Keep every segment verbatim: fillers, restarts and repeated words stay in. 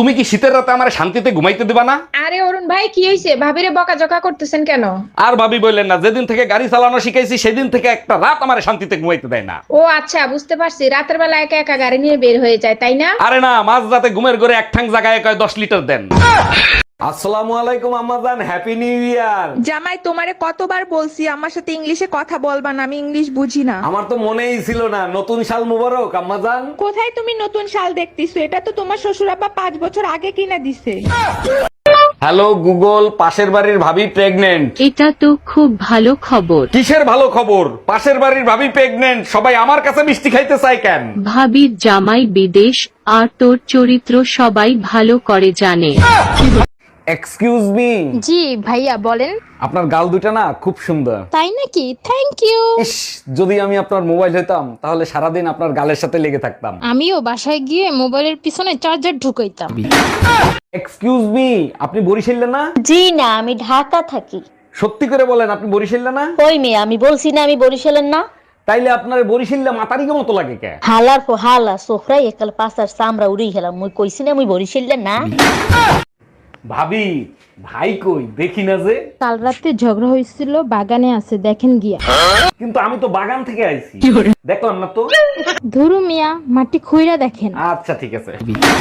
তুমি কি শীতের রাতে আমার শান্তিতে ঘুমাইতে দিবা না? আরে অরুণ ভাই কি হয়েছে? ভাবিরে বকাঝকা করতেছেন কেন? আর ভাবি বললেন না, যেদিন থেকে গাড়ি চালানো শিখাইছি সেদিন থেকে একটা রাত আমার শান্তিতে ঘুমাইতে দেয় না। ও আচ্ছা, বুঝতে পারছি। রাতের বেলা একা একা গাড়ি নিয়ে বের হয়ে যায়, তাই না? আরে না, মাঝ রাতে ঘুমের ঘরে এক ঠাং জায়গায় কয় দশ লিটার দেন। আসসালামু আলাইকুম আম্মাজান, হ্যাপি নিউ ইয়ার। জামাই, তোমারে কতবার বলছি আমার সাথে ইংলিশে কথা বলবা না, আমি ইংলিশ বুঝি না। আমার তো মনেই ছিল না, নতুন সাল মুবারক আম্মাজান। কোথায় তুমি নতুন শাল দেখতেছো? এটা তো তোমার শ্বশুর আব্বা পাঁচ বছর আগে কিনা দিছে। হ্যালো গুগল, পাশের বাড়ির ভাবি প্রেগনেন্ট। এটা তো খুব ভালো খবর। কিসের ভালো খবর? পাশের বাড়ির ভাবি প্রেগনেন্ট, সবাই আমার কাছে মিষ্টি খাইতে চায় কেন? ভাবির জামাই বিদেশ, আর তোর চরিত্র সবাই ভালো করে জানে। Excuse me. জি ভাইয়া বলেন। আপনার গাল দুটা না খুব সুন্দর। তাই নাকি? Thank you. ইস, যদি আমি আপনার মোবাইল হইতাম তাহলে সারাদিন আপনার গালের সাথে লেগে থাকতাম। আমিও বাসায় গিয়ে মোবাইলের পিছনে চার্জার ঢুকাইতাম। এক্সকিউজ মি, আপনি বরিশালে না? জি না, আমি ঢাকা থাকি। সত্যি করে বলেন, আপনি বরিশালে না? কই মেয়ে, আমি বলছি না আমি বরিশালের না। তাইলে আপনার বরিশালে মাতারিকে মতো লাগে কে? হালার পর হালা সোফরাই একাল পাঁচার চামড়া উড়ি গেলাম। মুই কইছি না আমি বরিশালের না। ভাবি, ভাই কই দেখি না যে? কাল রাতে ঝগড়া হয়েছিল, বাগানে আছে, দেখেন গিয়া। কিন্তু আমি তো বাগান থেকে আইছি, দেখলাম না তো। ধরু মিয়া, মাটি খুইরা দেখেন। আচ্ছা ঠিক আছে।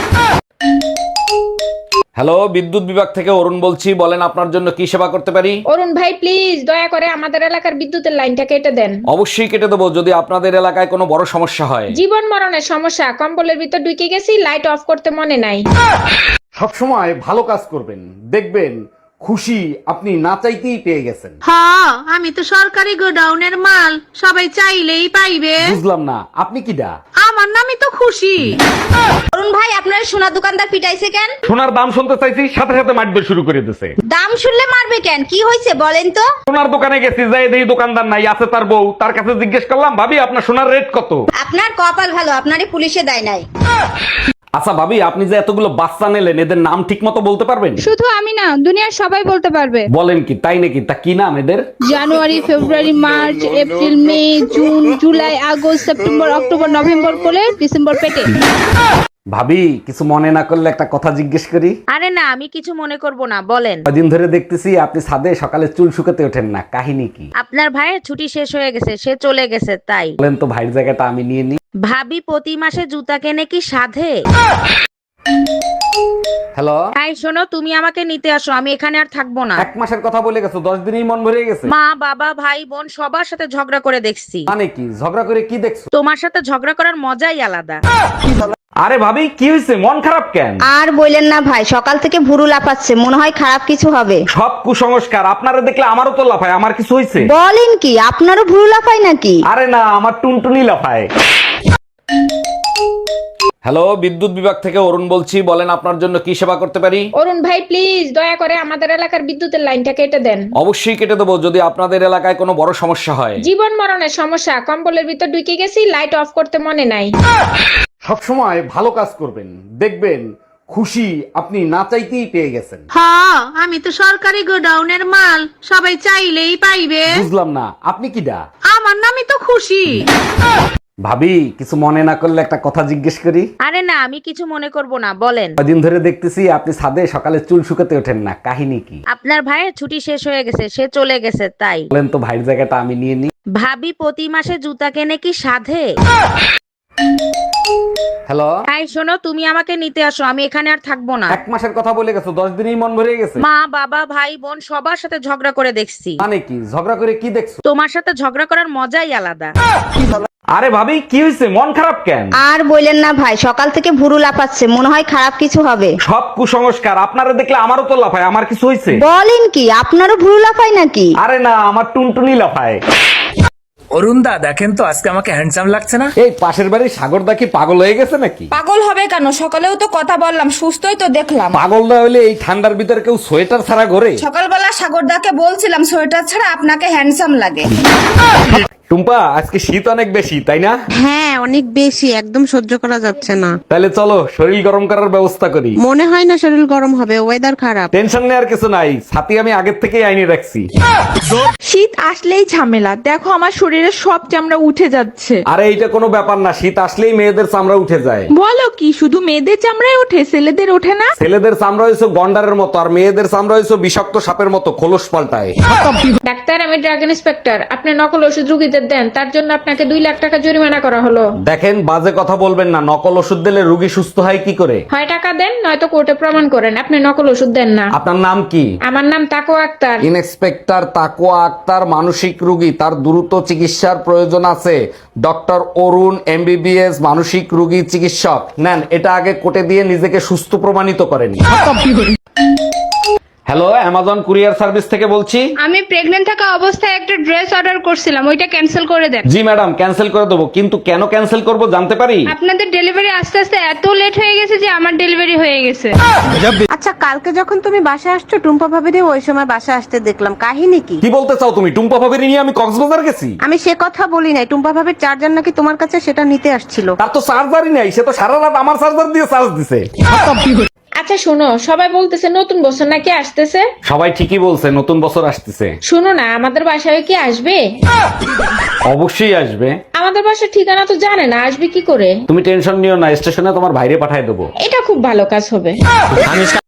হ্যালো, বিদ্যুৎ বিভাগ থেকে অরুণ বলছি, বলেন আপনার জন্য কি সেবা করতে পারি? অরুণ ভাই প্লিজ দয়া করে আমাদের এলাকার বিদ্যুতের লাইনটা কেটে দেন। অবশ্যই কেটে দেবো, যদি আপনাদের এলাকায় কোনো বড় সমস্যা হয়। জীবন মরণের সমস্যা, কম্বলের ভিতর ঢুকে গেছি, লাইট অফ করতে মনে নাই। সবসময় ভালো কাজ করবেন, দেখবেন খুশি আপনি না চাইতেই পেয়ে গেছেন। হ্যাঁ, আমি তো সরকারি গোডাউনের মাল, সবাই চাইলেই পাইবে। বুঝলাম না, আপনি কি ডা? আমার নামই তো খুশি। অরুণ ভাই, আপনার সোনা দোকানদার পিটাইছে কেন? সোনার দাম শুনতে চাইছি, সাথে সাথে মারবে শুরু করে দিয়েছে। দাম শুনলে মারবে কেন? কি হয়েছে বলেন তো? সোনার দোকানে গেছি, যাই দেখি দোকানদার নাই, আছে তার বউ। তার কাছে জিজ্ঞেস করলাম, ভাবি আপনার সোনার রেট কত? আপনার কপাল ভালো, আপনারই পুলিশে দেয় নাই। আচ্ছা ভাবি, আপনি যে এতগুলো বাচ্চা নিলেন, এদের নাম ঠিক মতো বলতে পারবেন? শুধু আমি না, দুনিয়ার সবাই বলতে পারবে। বলেন কি, তাই নাকি? তা কি নাম এদের? January, February, March, April, May, June, July, August, September, October, November করে ডিসেম্বর পেটে। ভাবি, কিছু মনে না করলে একটা কথা জিজ্ঞেস করি? আরে না, আমি কিছু মনে করব না, বলেন। কদিন ধরে দেখতেছি আপনি ছাদে সকালে চুল শুকাতে ওঠেন না, কাহিনী কি? আপনার ভাইয়ের ছুটি শেষ হয়ে গেছে, সে চলে গেছে তাই। বলেন তো, ভাইয়ের জায়গাটা আমি নিয়ে নিই। ভাবি প্রতি মাসে জুতা কেনে কি সাধে? হ্যালো, তাই শোনো, তুমি আমাকে নিতে আসো, আমি এখানে আর থাকবো না। এক মাসের কথা বলে গেছো, দশ দিনেই মন ভরে গেছে। মা, বাবা, ভাই, বোন সবার সাথে ঝগড়া করে দেখছি। মানে কি, ঝগড়া করে কি দেখছো? তোমার সাথে ঝগড়া করার মজাই আলাদা। আরে ভাবি, কি হয়েছে, মন খারাপ কেন? আর বললেন না ভাই, সকাল থেকে ভুরু লাফাচ্ছে, মনে হয় খারাপ কিছু হবে। সব কুসংস্কার, আপনারা দেখলে আমারও তো লাফায়। আমার কিছু হয়েছে? বলেন কি, আপনারও ভুরু লাফায় নাকি? আরে না, আমার টুনটুনি লাফায়। হ্যালো, বিদ্যুৎ বিভাগ থেকে অরুণ বলছি, বলেন আপনার জন্য কি সেবা করতে পারি? অরুণ ভাই প্লিজ দয়া করে আমাদের এলাকার বিদ্যুতের লাইনটা কেটে দেন। অবশ্যই কেটে দেবো, যদি আপনাদের এলাকায় কোনো বড় সমস্যা হয়। জীবন মরণের সমস্যা, কম্বলের ভিতর ঢুকে গেছি, লাইট অফ করতে মনে নাই। সবসময় ভালো কাজ করবেন, দেখবেন খুশি আপনি না চাইতেই পেয়ে গেছেন। হ্যাঁ, আমি তো সরকারি গোডাউনের মাল, সবাই চাইলেই পাইবে। বুঝলাম না, আপনি কি ডা? আমার নামই তো খুশি। ভাবি, কিছু মনে না করলে একটা কথা জিজ্ঞেস করি? আরে না, আমি কিছু মনে করব না, বলেন। কদিন ধরে দেখতেছি আপনি ছাদে সকালে চুল শুকাতে ওঠেন না, কাহিনী কি? আপনার ভাইয়ের ছুটি শেষ হয়ে গেছে, সে চলে গেছে তাই। বলেন তো, ভাইয়ের জায়গাটা আমি নিয়ে নিই। ভাবি প্রতি মাসে জুতা কেনে কি সাধে? হ্যালো, তাই শোনো, তুমি আমাকে নিতে আসো, আমি এখানে আর থাকবো না। এক মাসের কথা বলে গেছো, দশ দিনেই মন ভরে গেছে। মা, বাবা, ভাই, বোন সবার সাথে ঝগড়া করে দেখছি। মানে কি, ঝগড়া করে কি দেখছো? তোমার সাথে ঝগড়া করার মজাই আলাদা। আরে ভাবি, কি হয়েছে, মন খারাপ কেন? আর বললেন না ভাই, সকাল থেকে ভুরু লাফাচ্ছে, মনে হয় খারাপ কিছু হবে। সব কুসংস্কার, আপনারা দেখলে আমারও তো লাফায়। আমার কিছু হয়েছে? বলেন কি, আপনারও ভুরু লাফায় নাকি? আরে না, আমার টুনটুনি লাফায়। অরুণ দা, দেখেন তো আজকে আমাকে হ্যান্ডসাম লাগছে না? এই পাশের বাড়ির সাগরদা কি পাগল হয়ে গেছে নাকি? পাগল হবে কেন? সকালেও তো কথা বললাম, সুস্থই তো দেখলাম। পাগল না হলে এই ঠান্ডার ভিতরে কেউ সোয়েটার ছাড়া ঘোরে? সকালবেলা সাগরদাকে বলছিলাম সোয়েটার ছাড়া আপনাকে হ্যান্ডসাম লাগে। টুম্পা আজকে শীত অনেক বেশি তাই না? হ্যাঁ অনেক বেশি, একদম সহ্য করা যাচ্ছে না। তাহলে চলো শরীর গরম করার ব্যবস্থা করি। মনে হয় না শরীর গরম হবে, ওয়েদার খারাপ। টেনশন নেওয়ার কিছু নাই, ছাতি আমি আগের থেকেই আইনে রাখছি। শীত আসলেই ঝামেলা, দেখো আমার শরীরে সব চামড়া উঠে যাচ্ছে। আরে এইটা কোনো ব্যাপার না, শীত আসলেই মেয়েদের চামড়া উঠে যায়। বলো কি, শুধু মেয়েদের চামড়ায় ওঠে, ছেলেদের ওঠে না? ছেলেদের চামড়া হয়েছে গন্ডারের মতো, আর মেয়েদের চামড়া হয়েছে বিষাক্ত সাপের মতো, খোলস পাল্টায়। ডাক্তার, আমি ড্রাগ ইন্সপেক্টর। আপনি নকল ওষুধ রুগীদের দেন, তার জন্য আপনাকে দুই লাখ টাকা জরিমানা করা হলো। দেখেন বাজে কথা বলবেন না, নকল ওষুধ দিলে রোগী সুস্থ হয় কি করে? হয় টাকা দেন, নয়তো কোর্টে প্রমাণ করেন আপনি নকল ওষুধ দেন না। আপনার নাম কি? আমার নাম তাকো আক্তার। ইন্সপেক্টর তাকুয়া আক্তার মানসিক রোগী, তার দ্রুত চিকিৎসার প্রয়োজন আছে। ডক্টর অরুণ এমবিবিএস মানসিক রোগী চিকিৎসক। নেন এটা আগে কোটে দিয়ে নিজেকে সুস্থ প্রমাণিত করেন। হ্যালো, অ্যামাজন কুরিয়ার সার্ভিস থেকে বলছি। আমি প্রেগন্যান্ট থাকা অবস্থায় একটা ড্রেস অর্ডার করছিলাম, ওইটা ক্যান্সেল করে দেন। জি ম্যাডাম, ক্যান্সেল করে দেবো, কিন্তু কেন ক্যান্সেল করব জানতে পারি? আপনাদের ডেলিভারি আস্তে আস্তে এত লেট হয়ে গেছে যে আমার ডেলিভারি হয়ে গেছে। আচ্ছা, কালকে যখন তুমি বাসায় আসছো টুম্পা ভাবিরে ওই সময় বাসায় আসতে দেখলাম, কাহিনী কি? কি বলতে চাও তুমি? টুম্পা ভাবির নিয়ে আমি কক্সবাজার গেছি? আমি সে কথা বলি নাই, টুম্পা ভাবির চার্জার নাকি তোমার কাছে, সেটা নিতে আসছিল। তার তো চার্জারই নাই, সে তো সারা রাত আমার চার্জার দিয়ে চার্জ দিছে। আচ্ছা শোনো, সবাই বলতেছে নতুন বছর নাকি আসতেছে। সবাই ঠিকই বলছে, নতুন বছর আসতেছে। শোনো না, আমাদের বাসায় কি আসবে? অবশ্যই আসবে। আমাদের বাসার ঠিকানা তো জানে না, আসবে কি করে? তুমি টেনশন নিও না, স্টেশনে তোমার ভাইরে পাঠায় দেবো। এটা খুব ভালো কাজ হবে।